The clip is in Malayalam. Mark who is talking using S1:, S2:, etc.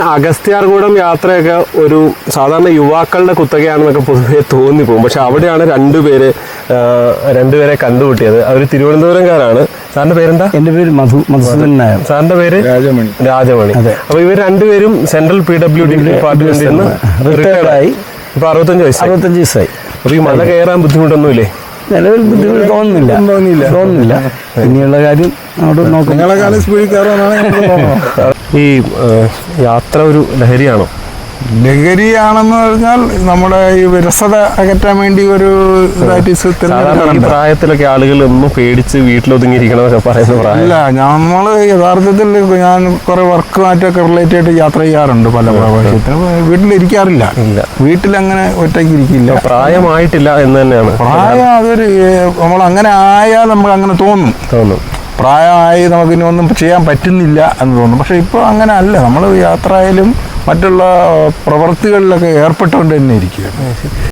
S1: അഗസ്ത്യാർകൂടം യാത്രയൊക്കെ ഒരു സാധാരണ യുവാക്കളുടെ കുത്തകയാണെന്നൊക്കെ പൊതുവെ തോന്നിപ്പോകും. പക്ഷെ അവിടെയാണ് രണ്ടുപേരെ കണ്ടുമുട്ടിയത്. അവർ തിരുവനന്തപുരംകാരാണ്. സാറിന്റെ പേരെന്താ?
S2: എന്റെ പേര് മധുസൂദൻ നായർ.
S1: സാറിന്റെ പേര് രാജമണി. അപ്പൊ ഇവർ രണ്ടുപേരും സെൻട്രൽ PWD ഡിപ്പാർട്ട്മെന്റിൽ നിന്ന് റിട്ടയർഡായി. ഇപ്പൊ 65 വയസ്സായി. അപ്പൊ ഈ മല കയറാൻ ബുദ്ധിമുട്ടൊന്നുമില്ലേ?
S2: നിലവിൽ ബുദ്ധിമുട്ട് തോന്നുന്നില്ല. ഇനിയുള്ള കാര്യം അവിടെ നോക്കാം.
S1: ഈ യാത്ര ഒരു ലഹരിയാണോ?
S3: ലഹരിയാണെന്ന് പറഞ്ഞാൽ നമ്മുടെ ഈ വിരസത അകറ്റാൻ വേണ്ടി ഒരു
S1: പ്രായത്തിലൊക്കെ ആളുകൾ ഒന്നും പേടിച്ച് വീട്ടിലൊതുങ്ങിയിരിക്കണമെന്നൊക്കെ പറയുന്ന പ്രായം.
S3: ഇല്ല, നമ്മള് യഥാർത്ഥത്തിൽ ഞാൻ കുറെ വർക്കുമായിട്ടൊക്കെ റിലേറ്റ് ആയിട്ട് യാത്ര ചെയ്യാറുണ്ട്. പല പ്രാവശ്യത്തിനും വീട്ടിലിരിക്കാറില്ല. വീട്ടിലങ്ങനെ ഒറ്റയ്ക്ക് ഇരിക്കില്ല.
S1: പ്രായമായിട്ടില്ല എന്ന് തന്നെയാണ്.
S3: പ്രായം അതൊരു നമ്മൾ അങ്ങനെ ആയാൽ നമുക്ക് അങ്ങനെ തോന്നും. പ്രായമായി നമുക്കിനി ഒന്നും ചെയ്യാൻ പറ്റുന്നില്ല എന്ന് തോന്നും. പക്ഷെ ഇപ്പോൾ അങ്ങനെ അല്ല. നമ്മൾ യാത്ര ആയാലും മറ്റുള്ള പ്രവൃത്തികളിലൊക്കെ ഏർപ്പെട്ടുകൊണ്ട് തന്നെ ഇരിക്കുകയാണ്.